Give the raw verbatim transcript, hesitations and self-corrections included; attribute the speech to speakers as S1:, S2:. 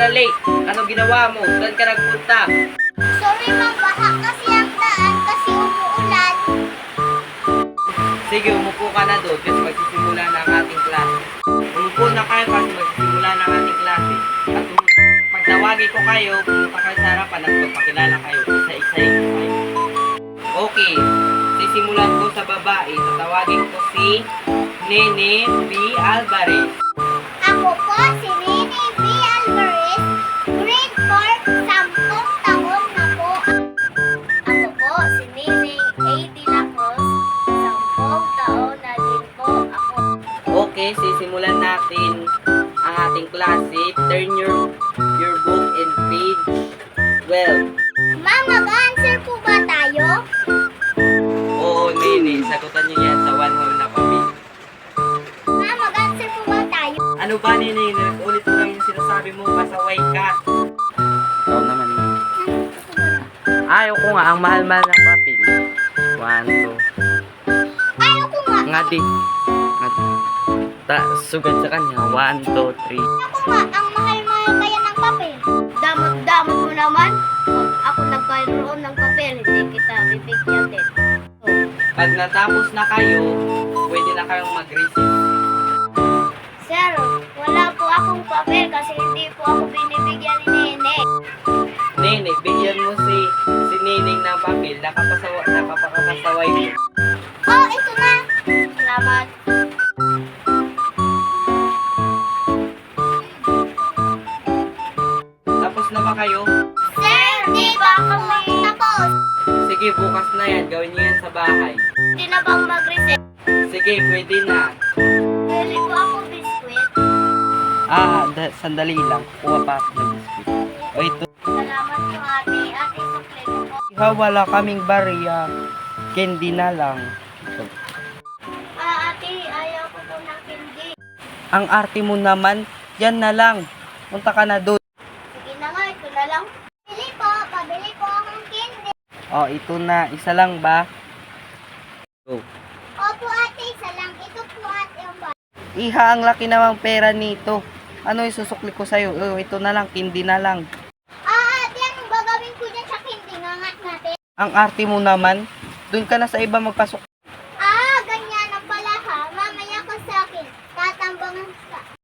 S1: na late. Ano ginawa mo? Saan ka nagpunta?
S2: Sorry ma'am, baha kasi ang daan kasi umuulan.
S1: Sige, umupo ka na doon kasi magsisimula na ang ating klase. Umupo na kayo kasi magsisimula na ang ating klase. At um, pag tawagin ko kayo, pumunta kayo sa harapan at magpakilala kayo. Isa-isahin ko kayo. Okay, sisimulan ko sa babae. Tatawagin ko si Nene B. Alvarez.
S2: Ako po si Nene B. Alvarez, grade four, sampung taon na po. Ako po si Nene A. De La Cruz, sampung taon na din po ako.
S1: Okay, sisimulan natin ang ating klase. Turn your, your book in page twelve.
S2: Ma'am, mag-answer po ba tayo?
S1: Oo, Nene, sagutan niyo yan sa one whole na papel.
S2: Ma'am, mag-answer po ba tayo?
S1: Ano ba, Nene? Ulit mo lang yung sinasabi mo, pasaway ka. Ikaw naman, Nene. Ayaw ko nga, ang mahal-mahal ng papel. One, two.
S2: Ayaw ko nga.
S1: Nga di. Nga di. Ta, sugat sa kanya. One, two, three.
S2: Ako nga, ang mahal-mahal kaya ng papel. Damot-damot mo naman. Pag ako nagkaroon ng papel, hindi kita bibigyan din.
S1: Pag natapos na kayo, pwede na kayong mag-receive.
S2: Sir, wala po akong papel kasi hindi po ako binibigyan ni Nene.
S1: Nene, bigyan mo si si Nining ng papel. Nakapasawa, napapakapasaway mo.
S2: Oh, ito na. Salamat.
S1: Tapos na ba kayo?
S2: Sir, di ba kami tapos?
S1: Sige, bukas na yan. Gawin niyo yan sa bahay.
S2: Hindi na bang mag-reset?
S1: Sige, pwede na.
S2: Bili po ako biskwit.
S1: Ah, da- sandali lang. Kuha pa ako ng biscuit. O ito.
S2: Salamat po ate. Ate, sukli ko po.
S1: Ha, wala kaming barya. Candy na lang.
S2: Ah, ate, ayaw ko po ng candy.
S1: Ang arte mo naman, yan na lang. Punta ka na doon.
S2: Sige na nga, ito na lang. Bili po, pabili po akong candy.
S1: O, ito na. Isa lang ba? Go.
S2: Opo ate, isa lang. Ito po ate ang ba?
S1: Iha, ang laki namang pera nito. Ano isusukli ko sa'yo? Oh, ito na lang, candy na lang.
S2: Ah, ate, anong gagawin ko dyan sa candy? Ngangat natin.
S1: Ang arte mo naman, doon ka na sa iba magpasok.